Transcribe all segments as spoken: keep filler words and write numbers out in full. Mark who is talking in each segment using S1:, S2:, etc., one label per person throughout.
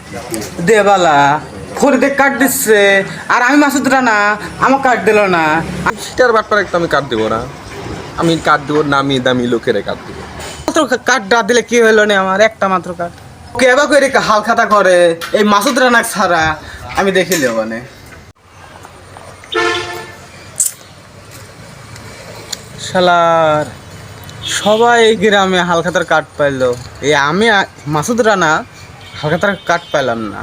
S1: Dybala ফরিদে কাট দিচ্ছে আর আমি মাসুদ রানা আমার কাট দিল না।
S2: সেটার ব্যাপারে একটা আমি কাট দেবো না, আমি কাট দেবো নামি দামি লোকেরে কাট দেবো।
S1: মাত্র কাট না দিলে কি হইলো না আমার একটা মাত্র কাট কেবা করে হাল খাতা করে এই মাসুদ রানা ছাড়া আমি দেখিলে মানে শালার সবাই এই গ্রামে হালখাতার কাট পাইলো, এই আমি মাসুদ রানা হালখাতার কাট পাইলাম না।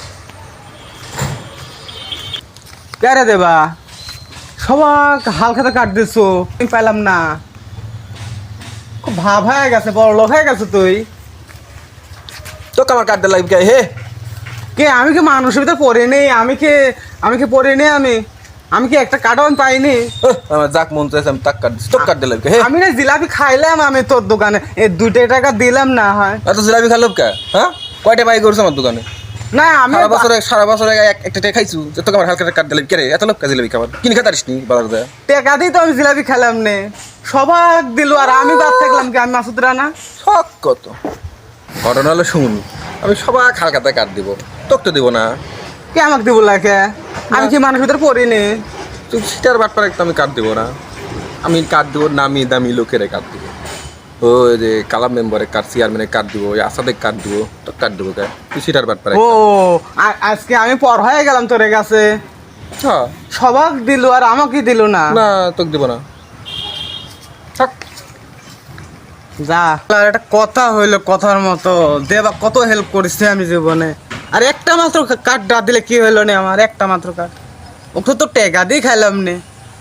S1: কেরে দেবা সবাক হালখাতা কাট দিছো আমি পাইলাম না, খুব ভাব হয়ে গেছে, বড় লোক হয়ে গেছে তুই।
S2: তোকে আমার কাট দিলাম কে? হে
S1: কে আমি কি মানুষের ভিতরে পড়ে নেই? আমি কি আমি কি পড়ে নেই? আমি আমি কি একটা কার্টও আমি পাইনি?
S2: আমার যাক মন চাইছে আমি তাক কাট দিচ্ছি, তোকে কাট দিলাম কে? হে
S1: আমি না জিলাপি খাইলাম আমি তোর দোকানে, এই দুটো টাকা দিলাম না হয়।
S2: এত জিলাপি খালো কে? হ্যাঁ কয়টা বাই করছে আমার দোকানে?
S1: না আমি
S2: সারা বছরে সারা বছরে এক- একটা টাকা খাইছু, তোকে আমার হালকা কাট দিলাম কে রে? এত লোক জিলাপি খাবার কিনে খেতে পারিস নি বাজার যায়?
S1: টাকা দিই তো আমি জিলাপি খেলাম নে, সবাক দিল আর আমি বাদ থাকলাম কি? আমি মাসুদ রানা
S2: শখ কত ঘটনা হলো শুন, আমি সবাই হালকাতে কাট দিব, তোকে তো দিব না।
S1: কে আমাকে দিব লাগে? আমি কি মানুষের ভিতরে পড়ি নি?
S2: তুই সেটার ব্যাপারে একটা আমি কাট দিব না, আমি কাট দিব নামি দামি লোকেরে কাট দিব। ওই যে কালাম মেম্বারে কাট, চেয়ারম্যানে কাট দিব, ওই আসাদে কাট দিব, তো কাট দিব কে? তুই সেটার ব্যাপারে
S1: ও আ- আজকে আমি পর হয়ে গেলাম তোর কাছে,
S2: হ্যাঁ
S1: সবাক দিল আর আমাকে দিল না।
S2: না তোকে দিব না, থাক।
S1: যা আর একটা কথা হইলো কথার মতো, দেবা কত হেল্প করেছে আমি জীবনে, আর একটা মাত্র কাঠ না দিলে কি হইলো না আমার একটা মাত্র কাঠ, ওকে তো টেকা দিয়ে খাইলাম নে।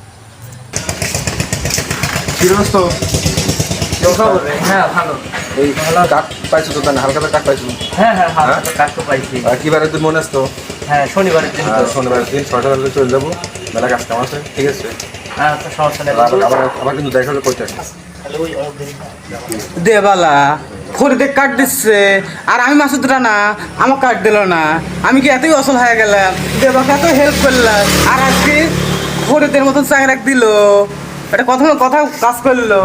S3: হ্যাঁ ভালো।
S2: এই কাট পাইছো তো, হালকাতে কাট পাইছো?
S3: হ্যাঁ হ্যাঁ হালকা কাজ তো পাইছি।
S2: আর কিবারে তুই মনে আসতো?
S3: হ্যাঁ শনিবারের দিন তো।
S2: শনিবার দিন ছয়টা বাজে চলে যাবো, মেলা কাজ কাম আছে, ঠিক আছে?
S3: আচ্ছা সমস্যা নেই।
S2: আবার আবার আবার কিন্তু দেখা হলে কইতে
S3: তাহলে ওই অনেক
S1: দেবালা ফরিদে কাট দিচ্ছে আর আমি মাসুদ রানা আমার কাট দিল না, আমি কি এতই অসল হয়ে গেলাম? দেবাকে এত হেল্প করলাম আর আজকে ফরিদের মতন চাকরাক দিল, এটা কথা কথা কাজ করলো।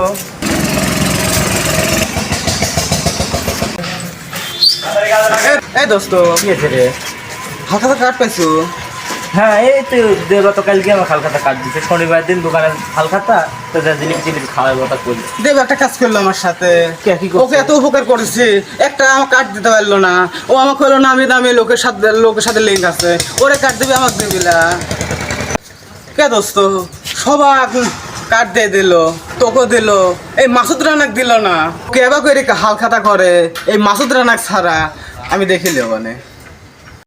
S1: এই দোস্ত
S3: কি আছে রে?
S1: হালকা কাট পাইছো?
S3: হ্যাঁ এই তো দেবা তো কালকে আমার হালখাতা কাজ দিচ্ছে, শনিবার দিন দোকানে হালখাতা তো যা জিনিস জিনিস খাওয়ার কথা করি।
S1: দেব একটা কাজ করলো আমার সাথে,
S3: কে কি করছে?
S1: ওকে এত উপকার করেছি, একটা আমার কাট দিতে পারলো না, ও আমাকে হলো নামি দামি লোকের সাথে লোকের সাথে লিঙ্ক আছে, ওরে কাট দিবি আমাকে দিবি না। কে দোস্ত সবাক কাট দিয়ে দিল, তোকে দিল, এই মাসুদ রানাক দিল না। কেবা করে হাল খাতা করে এই মাসুদ রানাক ছাড়া আমি দেখিলে মানে